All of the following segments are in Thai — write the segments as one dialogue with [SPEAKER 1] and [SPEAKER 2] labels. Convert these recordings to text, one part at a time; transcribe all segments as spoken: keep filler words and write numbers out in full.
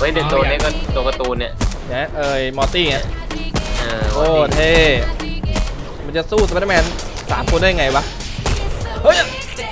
[SPEAKER 1] ฮ้ยเดี๋ยวตัวนี้ก็ตัวการ์ตูนเนี่ย
[SPEAKER 2] นะเอ้ยมอร์ตี้ไงโอ้เท่มันจะสู้สไปเดอร์แมนสามคนได้ไงวะเฮ้ย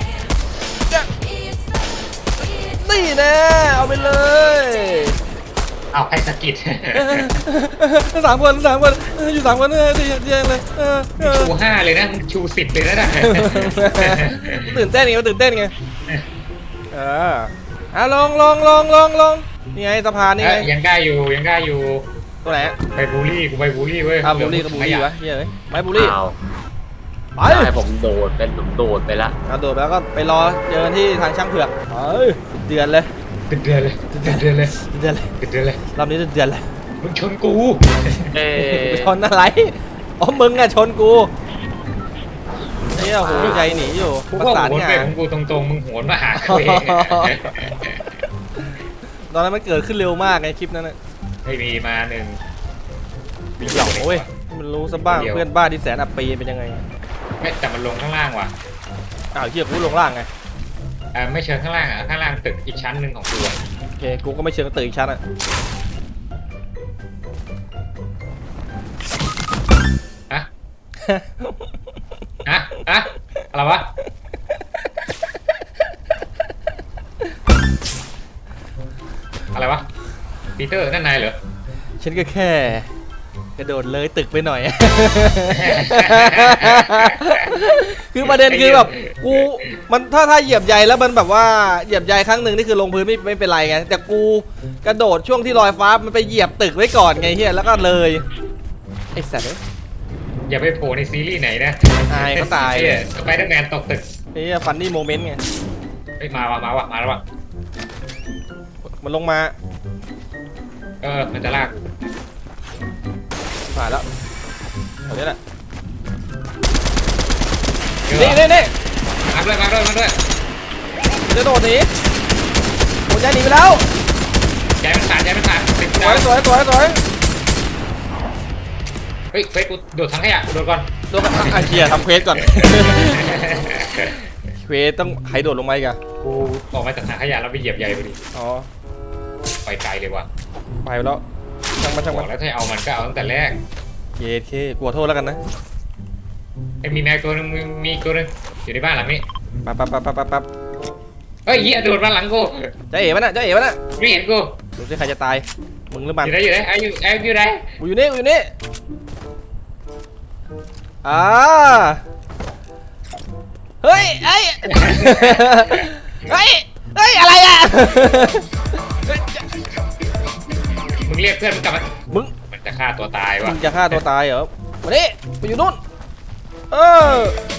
[SPEAKER 2] นี่แน่เอาไปเลย
[SPEAKER 3] เอาให้สกิด
[SPEAKER 2] สามคนสามคนอยู่สามคนเลยดีดีเลย
[SPEAKER 3] ชูห้าเลยนะชูสิบเลยนะ
[SPEAKER 2] ตื่นเต้นไงตื่นเต้นไงเอออ่ะลงลงลงลงลงนี่ไงสะพานนี่ไง
[SPEAKER 3] ยังได้อยู่ยังได้อยู่
[SPEAKER 2] ตัวไหน
[SPEAKER 3] ไปบูลลี่กูไปบูลลี่เว้ย
[SPEAKER 2] อ่ะบูลลี่กับบูลลี่วะเฮ้ยไม่บูลลี่
[SPEAKER 1] ไปผมโดดเป็นผมโดดไปละ
[SPEAKER 2] เอาโดดไปแล้วก็ไปรอเจอที่ทางช่างเผือกเฮ้ยเดือนเลย
[SPEAKER 3] เดือนเลยเดือนเลย
[SPEAKER 2] เดือนเลย
[SPEAKER 3] เดือนเลย
[SPEAKER 2] รอบนี้เดือนเลย
[SPEAKER 3] มึงชนกู
[SPEAKER 1] เอ้
[SPEAKER 2] ชนอะไรอ๋อมึงอะชนกูนี่โหใจหนีอยู่
[SPEAKER 3] ประสานงานของกูตรงๆมึงโหนมาหาเขาเอง
[SPEAKER 2] ตอนนั้นมันเกิดขึ้นเร็วมากไงคลิปนั้นน่ะ
[SPEAKER 3] ไม่มีมาหนึ่ง
[SPEAKER 2] มีเหล่าเว้ยมันรู้ซะบ้างเพื่อนบ้านที่แสนอับปีเป็นยังไง
[SPEAKER 3] ไม่แต่มันลงข้างล่างว่ะ
[SPEAKER 2] อ้าวเหี้ยกูลงล่างไง
[SPEAKER 3] อ่าไม่เชิงข้างล่างอ่ะข้างล่างตึกอีกชั้นหนึ่งของกู
[SPEAKER 2] โอเคกูก็ไม่เชิงตึกอีกชั้นอ่ะ
[SPEAKER 3] ฮะฮะฮะอะไรวะอะไรวะปีเตอร์นั่นนายเหรอ
[SPEAKER 2] ฉันก็แค่กระโดดเลยตึกไปหน่อยคือประเด็นคือแบบกูมันถ้าถ้าเหยียบใยแล้วมันแบบว่าเหยียบใยครั้งหนึ่งนี่คือลงพื้นไม่ไม่เป็นไรไงแต่กูกระโดดช่วงที่ลอยฟ้ามันไปเหยียบตึกไว้ก่อนไงเฮียแล้วก็เลยไอ้สัตว์
[SPEAKER 3] อย่าไปโผล่ในซีรีส์ไหนนะ
[SPEAKER 2] ตายก็ตาย
[SPEAKER 3] สไปเดอร์แมนตกตึก
[SPEAKER 2] ไอ้ฟันนี่โมเมนต์ไง
[SPEAKER 3] ไอ้มาว่ะมาว่ะมาแล้วว่ะ
[SPEAKER 2] มันลงมา
[SPEAKER 3] เออมันจะลาก
[SPEAKER 2] ผ่านแล้วเอาเนี่ยแหละนี่นี่นี่
[SPEAKER 3] มาด้วยมาด้วยมาด้วย
[SPEAKER 2] จะโดดหนีโดดยันหนีไปแล้ว
[SPEAKER 3] ใจมันขาดใจมันขาด
[SPEAKER 2] สวยสวยสวยสวย
[SPEAKER 3] เฮ้ยเควสกูโดดทั้งขยะกูโดดก่อน
[SPEAKER 2] โดดอ่ะเชียร์ทำเควสก่อนเควสต้องใครโดดลงมาอีกอะ
[SPEAKER 3] กูออกมาจากถังขยะแล้วไปเหยียบใยพอดี
[SPEAKER 2] อ๋อ
[SPEAKER 3] ไปไกลเลยว่ะ
[SPEAKER 2] ไปแล้วช่างมันช่างมัน
[SPEAKER 3] แล้วถ้าเอามันก็เอาตั้งแต่แรก
[SPEAKER 2] เย้เคกลัวโทษแล้วกันนะ
[SPEAKER 3] ไอ้มีแมวตัวนึงมีตัวนึงอยู่ในบ้านหลังนี้
[SPEAKER 2] ปั๊บปั๊บปั๊บปั๊บปั๊บ
[SPEAKER 3] เฮ้ยเหี้ยโดดมาหลังกู
[SPEAKER 2] จะเอ๋มันน่ะจะเอ๋มันน่ะ
[SPEAKER 3] ไม่เห็นกู
[SPEAKER 2] ดูสิใครจะตายมึงหรือมัน
[SPEAKER 3] อยู่ไหนอยู่ไหนไอ้อยู่ไอ้อยู่ไหน
[SPEAKER 2] กูอยู่นี่กูอยู่นี่อ่าเฮ้ยไอ้เฮ้ยเฮ้ยอะไรอ่ะ
[SPEAKER 3] มึงเรียกเพื่อนมึงกลับมา
[SPEAKER 2] มึง
[SPEAKER 3] มันจะฆ่าตัวตายวะ
[SPEAKER 2] มึงจะฆ่าตัวตายเหรอมาดิไปอยู่นู่นเออ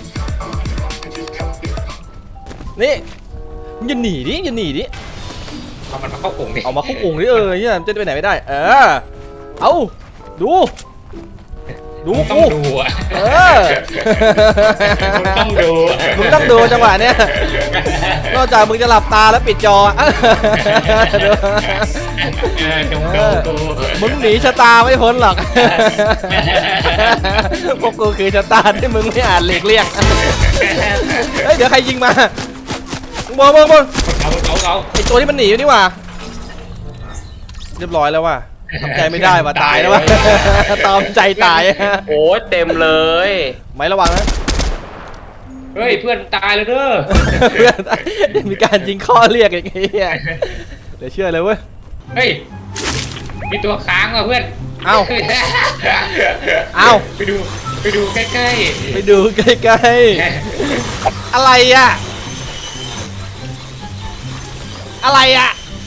[SPEAKER 2] นี่มึงอย่าหนีดิอย่าหนีดิ
[SPEAKER 3] เอามันมาเข้ากลุ่มดิ
[SPEAKER 2] เอามาเข้ากลุ่มดิเออเนี่ยจะไปไหนไม่ได้เออเอาดูดู
[SPEAKER 3] กูต้องดูอ่ะ
[SPEAKER 2] เออ
[SPEAKER 3] มึงต้องดู
[SPEAKER 2] มึงต้องดูจังหวะเนี้ยนอกจากมึงจะหลับตาแล้วปิดจอมึงหนีชะตาไม่พ้นหรอกพวกกูคือชะตาที่มึงไม่อาจหลีกเลี่ยงเฮ้ยเดี๋ยวใครยิงมาบอลบอลบอล
[SPEAKER 3] เอาเอาเอา
[SPEAKER 2] ไอตัวที่มันหนีอยู่นี่ว่ะเรียบร้อยแล้วว่ะทำใจไม่ได้ว่ะตายแล้วว่ะตอมใจตาย
[SPEAKER 1] โอ้เต็มเลย
[SPEAKER 2] ไม่ระวังนะ
[SPEAKER 3] เฮ้ยเพื่อนตายเลยเด้อ
[SPEAKER 2] เพื่อนมีการยิงข้อเรียกอย่างเงี้ยเดี๋ยวเชื่อเลยเว้ย
[SPEAKER 3] เฮ้ยมีตัวค้างว่ะเพื่อน
[SPEAKER 2] เอ้าเอ้า
[SPEAKER 3] ไปดูไปดูใกล้ๆ
[SPEAKER 2] ไปดูใกล้ๆอะไรอ่ะอะไรอ่ะ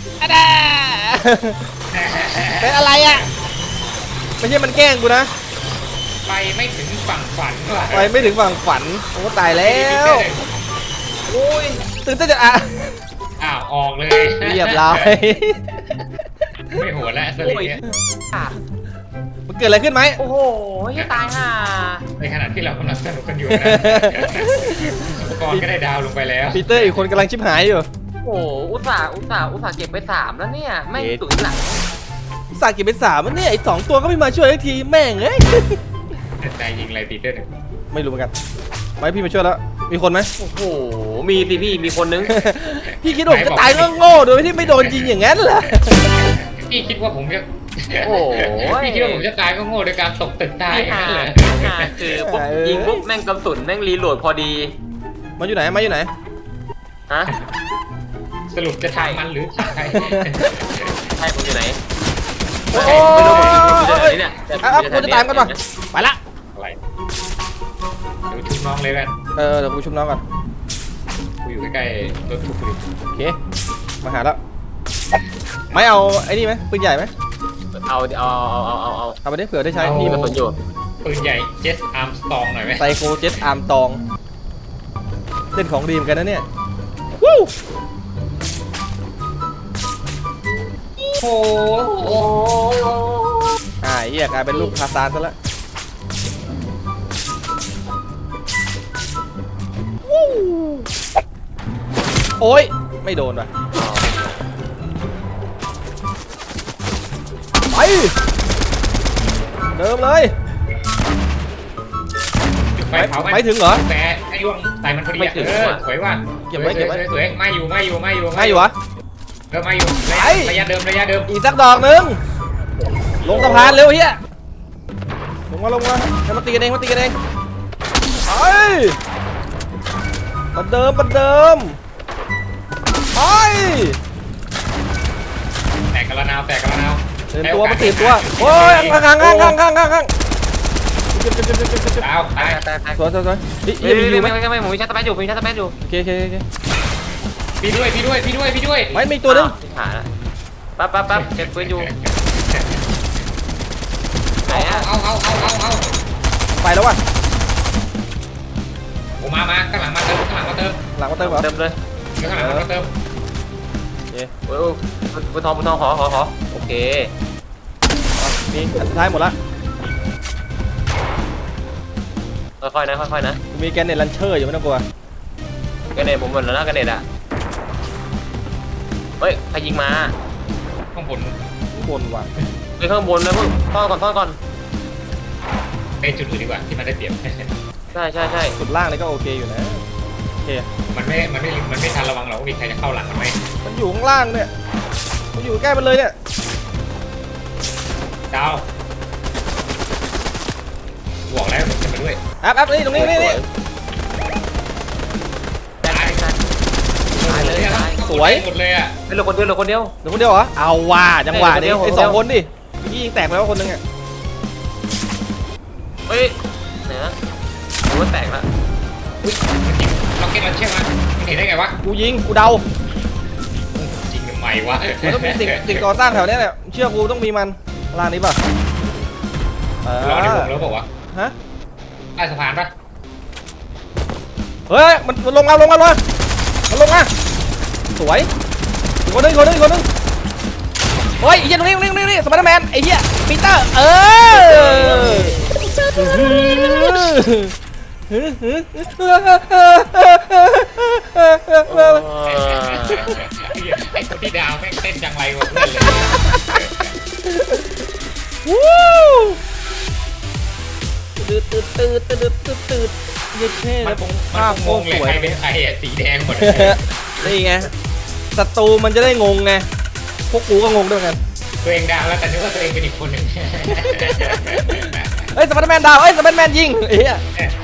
[SPEAKER 2] เป็นอะไรอ่ะไม่ใช่มันแกล้งกูนะ
[SPEAKER 3] ไปไม่ถึงฝั่งฝันว่ะ
[SPEAKER 2] ไปไม่ถึงฝั่งฝันโอ้ตายแล้วโอ้ยตื่นเต้นจะอ่ะ
[SPEAKER 3] อ้าวออกเลย
[SPEAKER 2] เรียบร้อย
[SPEAKER 3] ไม่หัวแล้วสลิงเนี่ย
[SPEAKER 2] มันเกิดอะไรขึ้นไหม
[SPEAKER 1] โอ้โหจะตายห่า
[SPEAKER 3] ในขณะที่เรากำลังสนุกกันอยู่นะก่อนก็ได้ดาวลงไปแล้ว
[SPEAKER 2] ปีเตอร์อีกคนกำลังชิบหายอยู่
[SPEAKER 1] โอ้อุตส่าห์อุตส่าห์อุตส่าห์เก็บไปสามแล้วเนี่ยไม่ตุ๋ยหลัง
[SPEAKER 2] อุตส่าห์เก็บไปสามแล้วเนี่ยไอ้สองตัวก็ไม่มาช่วยทักทีแม่งเอ้ย
[SPEAKER 3] ใจยิงอะไรปีเตอร์
[SPEAKER 2] ไม่รู้เหมือนกันไม่พี่มาช่วยแล้วมีคนไหม
[SPEAKER 1] โอ้โหมีสิพี่มีคนนึง
[SPEAKER 2] พี่คิดว่าจะตายก็โง่โดยที่ไม่โดนยิงอย่างนั้นเหรอ
[SPEAKER 3] พี่คิดว่าผมจะ
[SPEAKER 1] โอ้ย
[SPEAKER 3] พี่คิดว่าผมจะตายก็โง่โดยการตกตึกตาย
[SPEAKER 1] ที่
[SPEAKER 3] อย่าง
[SPEAKER 1] หา
[SPEAKER 3] นั้นเลย
[SPEAKER 1] ที่หาคือปุ๊บยิงปุ๊บแม่งกระสุนแม่งรีโหลดพอดี
[SPEAKER 2] มาอยู่ไหนมาอยู่ไหน
[SPEAKER 1] ฮะ
[SPEAKER 3] สรุปจะทางมันหรือทางใคร
[SPEAKER 1] ใช่ผมอยู่ไหน
[SPEAKER 2] โอ้
[SPEAKER 1] ไม่รู้ผม
[SPEAKER 2] ย
[SPEAKER 1] อยู่ไหนเนี่ย
[SPEAKER 2] อ่ะอ่ะกูจะตามกันป่ะไปละ
[SPEAKER 3] อะไรเดี๋ยวชุบน้องเลยกัน
[SPEAKER 2] เออเดี๋ยวกูชุบน้องก่อน
[SPEAKER 3] กูอยู่ใกล้ๆรถทุกข์เลย
[SPEAKER 2] โอเคมาหาแล้วไม่เอาไอ้นี่ไหมปืนใหญ่ไหม
[SPEAKER 1] เอาเอาเอาเอาเอาเอา
[SPEAKER 2] เอาไปได้เผื่อได้ใช้
[SPEAKER 1] มีกระสุนอยู่
[SPEAKER 3] ปืนใหญ่เจสอาร์มสตองหน่อยไหม
[SPEAKER 2] ไซโคเจ็ตอาร์มตองเล่นของดีเหมอนกันนะเนี่ยวู้
[SPEAKER 3] โอ้โห
[SPEAKER 2] อ่าเหี้ยกลายเป็นลูกทาซานซะแล้ววู้โอ้ยไม่โดนว่ะไปเดิมเลย
[SPEAKER 3] จุดไฟเผามัน
[SPEAKER 2] ไม่ถึงเหรอ
[SPEAKER 3] แต่ไอ้ดวงใส่มันพอดีอะเออสวยว่ะ
[SPEAKER 2] เก็บไว้เก็บไว้
[SPEAKER 3] สวยสวยไม่อยู่ไม่อยู่ไม่อยู่
[SPEAKER 2] ไม่อยู่วะ
[SPEAKER 3] เออไม่อยู่ระยะ
[SPEAKER 2] ไอ้
[SPEAKER 3] ระยะเดิมระยะเดิม
[SPEAKER 2] อีกสักดอกหนึ่งลงสะพานเร็วเฮียลงมาลงมาจะมาตีกันเองมาตีกันเองไปมาเดิมมาเดิมไป
[SPEAKER 3] แตกกระนาวแตกกระนาว
[SPEAKER 2] เตือนตัวมาตีตัวโอ้ยข้างข้างข้างข้างข้างข้างข้างเจ็บเจ็บเจ็บเจ็บเจ็บเจ็บ
[SPEAKER 3] ดาวตาย
[SPEAKER 1] ตายตาย
[SPEAKER 2] สวยสวยสวยนี่
[SPEAKER 1] ไม่
[SPEAKER 2] ยังมีอยู่ไหม
[SPEAKER 1] ไม่ไม่ไม่ผมมีชาร์จแปดอยู่ผมมีชาร์จแปดอยู่
[SPEAKER 2] โอเคโอเคโอเค
[SPEAKER 3] พี่ด้วยพี่ด้วยพี่ด้วยพี่ด้วย
[SPEAKER 2] ไม่มีตัวนึง
[SPEAKER 1] ขาละปั๊บปั๊บปั๊บเก็บปืนอยู่ไหน
[SPEAKER 3] เอา
[SPEAKER 1] อะ
[SPEAKER 3] เอาเอาเอาเอาเอา
[SPEAKER 2] ไปแล้วว่ะ
[SPEAKER 3] ผมมามาข้างหลังมาเติมข้างหลังมาเติม
[SPEAKER 2] หลังมาเติมเหรอ
[SPEAKER 1] เติมเลย
[SPEAKER 3] ข้างหลังมาเติม
[SPEAKER 2] โอเค
[SPEAKER 1] โอ้ยปืนทองปืนทองขอขอขอโอเค
[SPEAKER 2] มีอันสุดท้ายหมดละ
[SPEAKER 1] ค่อยๆนะค่อยๆนะ
[SPEAKER 2] มีแกนเน็ตลันเชอร์อยู่ไม่ต้องกลัว
[SPEAKER 1] กันเน็ตผมหมดแล้วนะกันเน็ตอะเฮ้ยใครยิงมา
[SPEAKER 3] ข้างบน
[SPEAKER 2] บนว่ะ
[SPEAKER 1] ไปข้างบนนะเพิ่งท่อนก่อนท่อนก่อน
[SPEAKER 3] ไปจุดอื่นดีกว่าที่มันได้เปรียบ
[SPEAKER 1] ใช่ใช่ใช่
[SPEAKER 2] สุดล่างนี่ก็โอเคอยู่นะโอเค
[SPEAKER 3] มันไม่มันไม่มันไม่ทันระวังหรอกว่ามีใครจะเข้าหลังมันไหม
[SPEAKER 2] มันอยู่ข้างล่างเนี่ยมันอยู่ใกล้มันเลยเนี่ย
[SPEAKER 3] ดาวบอกแล้วผมจะมาด้วย
[SPEAKER 2] แอปแอปนี่ตรงนี้นี่นี่
[SPEAKER 3] ตาย
[SPEAKER 1] ตายเลยตาย
[SPEAKER 2] สวย
[SPEAKER 3] หมดเลยอ่ะ
[SPEAKER 1] เหลือคนเดียวเหลือคนเดียว
[SPEAKER 2] เดี๋ยวคนเดียวเหรอเอาว่ะจังหวะนี้
[SPEAKER 1] เดี๋ยวคน
[SPEAKER 2] ไอ้
[SPEAKER 1] เดียว
[SPEAKER 2] สองคนดิเมื่อกี้ยิงแตกไปแล้วคนนึงอ่ะ
[SPEAKER 1] เฮ้ยไหนนะผมว่าแตกละ
[SPEAKER 3] อุ้ยมันยิงล็อกเก็ตมันเชื่อมันมันเห็นได้ไงวะ
[SPEAKER 2] กูยิงกูเดา
[SPEAKER 3] จริงทำไมวะ
[SPEAKER 2] มันต้องมีสิ่งสิ่งก่อสร้างแถวเนี้ยแหละเชื่อกูต้องมีมันล่างนี้ป่ะเอ
[SPEAKER 3] รอในว
[SPEAKER 2] อง
[SPEAKER 3] แล้วบอกว่า
[SPEAKER 2] ฮะ
[SPEAKER 3] ใต้สะพานปะ
[SPEAKER 2] เฮ้ยมันมันลงมาลงมาลงมามันลงมาสวยอีกคนนึงอีกคนนึงอีกคนนึงเฮ้ยไอ้เหี้ยตรงนี้ตรงนี้ตรงนี้สไปเดอร์แมนไอ้เหี้ยปีเตอร์เออ
[SPEAKER 3] ไอ้คนที่ดาวแม่งเต้นจังไรวะเพื่อนเลย
[SPEAKER 2] วู้ตืดตืดตืดตืดตืดตืดยืดเท่
[SPEAKER 3] มั
[SPEAKER 2] แล้
[SPEAKER 3] น
[SPEAKER 2] ว
[SPEAKER 3] คง
[SPEAKER 2] ภาพ
[SPEAKER 3] มัน
[SPEAKER 2] โค
[SPEAKER 3] คง
[SPEAKER 2] ตรง
[SPEAKER 3] เลย
[SPEAKER 2] สวย
[SPEAKER 3] ใครเป็นใครอ่ะสีแดงหมด
[SPEAKER 2] นี่ไงศัตรูมันจะได้งงไงพวกกูก็งงด้วยกัน
[SPEAKER 3] ตัวเองดาวแล้วแต่นึกว่าตัวเองเป็นอีกคนหนึ่ง
[SPEAKER 2] เฮ้ยสไปเดอร์แมนดาวเฮ้ยสไปเดอร์แมนยิงไอ้เหี้ย